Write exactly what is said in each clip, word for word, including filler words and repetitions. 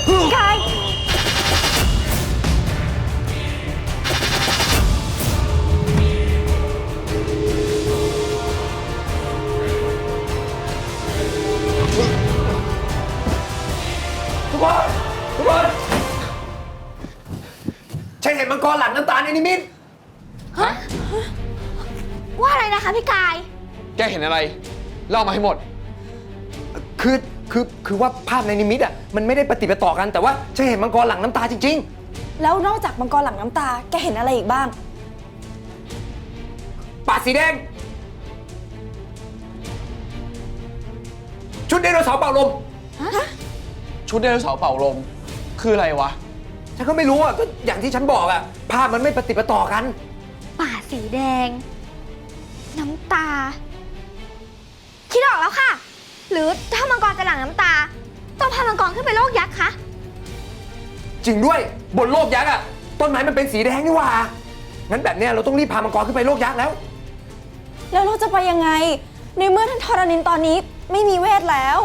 กายทุกคนทุกคนฉันเห็นมังกรหลังน้ำตาลในนิมิตฮะว่าอะไรนะคะพี่กายแกเห็นอะไรเล่ามาให้หมดคือคือคือว่าภาพในนิมิตอ่ะมันไม่ได้ปฏิปต่อกันแต่ว่าฉันเห็นมังกรหลังน้ำตาจริงๆแล้วนอกจากมังกรหลังน้ำตาแกเห็นอะไรอีกบ้างปากสีแดงชุดไดโนเสาร์เป่าลมชุดไดโนเสาร์เป่าลมคืออะไรวะฉันก็ไม่รู้อ่ะก็อย่างที่ฉันบอกอ่ะภาพมันไม่ปฏิปต่อกันป่าสีแดงน้ำตาคิดออกแล้วค่ะหรือถ้ามังกรจะหลั่งน้ำตาต้องพามังกรขึ้นไปโลกยักษ์คะจริงด้วยบนโลกยักษ์อ่ะต้นไม้มันเป็นสีแดงนี่หว่างั้นแบบเนี้ยเราต้องรีบพามังกรขึ้นไปโลกยักษ์แล้วแล้วเราจะไปยังไงในเมื่อท่านธรณินตอนนี้ไม่มีเวทแล้ว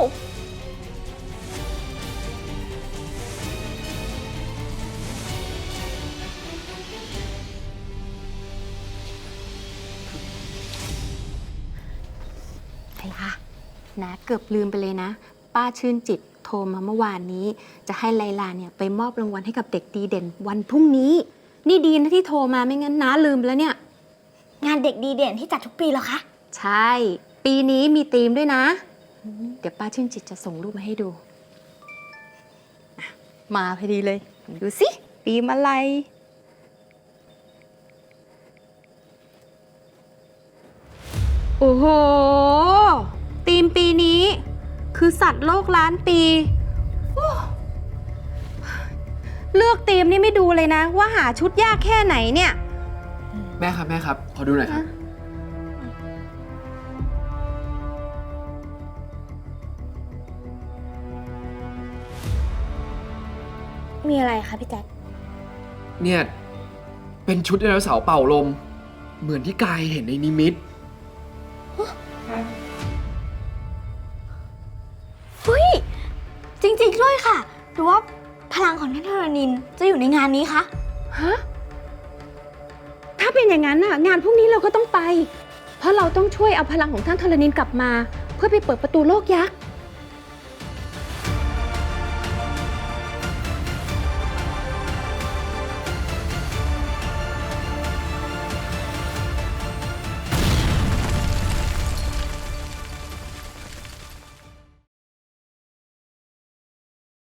ไอ้ค่ะนะเกือบลืมไปเลยนะป้าชื่นจิตโทรมาเมื่อวานนี้จะให้ไลลาเนี่ยไปมอบรางวัลให้กับเด็กดีเด่นวันพรุ่งนี้นี่ดีนะที่โทรมาไม่งั้นน้าลืมไปแล้วเนี่ยงานเด็กดีเด่นที่จัดทุกปีเหรอคะใช่ปีนี้มีธีมด้วยนะเดี๋ยวป้าชื่นจิตจะส่งรูปมาให้ดูมาพอดีเลยดูสิธีมอะไรโอ้โหธีมปีนี้คือสัตว์โลกล้านปีเลือกธีมนี่ไม่ดูเลยนะว่าหาชุดยากแค่ไหนเนี่ยแม่ครับแม่ครับขอดูหน่อยครับมีอะไรคะพี่แจ๊คเนี่ยเป็นชุดไดโนเสาร์เป่าลมเหมือนที่กายเห็นในนิมิตเฮ้ยจริงๆด้วยค่ะหรือว่าพลังของท่านธรณินจะอยู่ในงานนี้คะฮะถ้าเป็นอย่างนั้นน่ะงานพวกนี้เราก็ต้องไปเพราะเราต้องช่วยเอาพลังของท่านธรณินกลับมาเพื่อไปเปิดประตูโลกยักษ์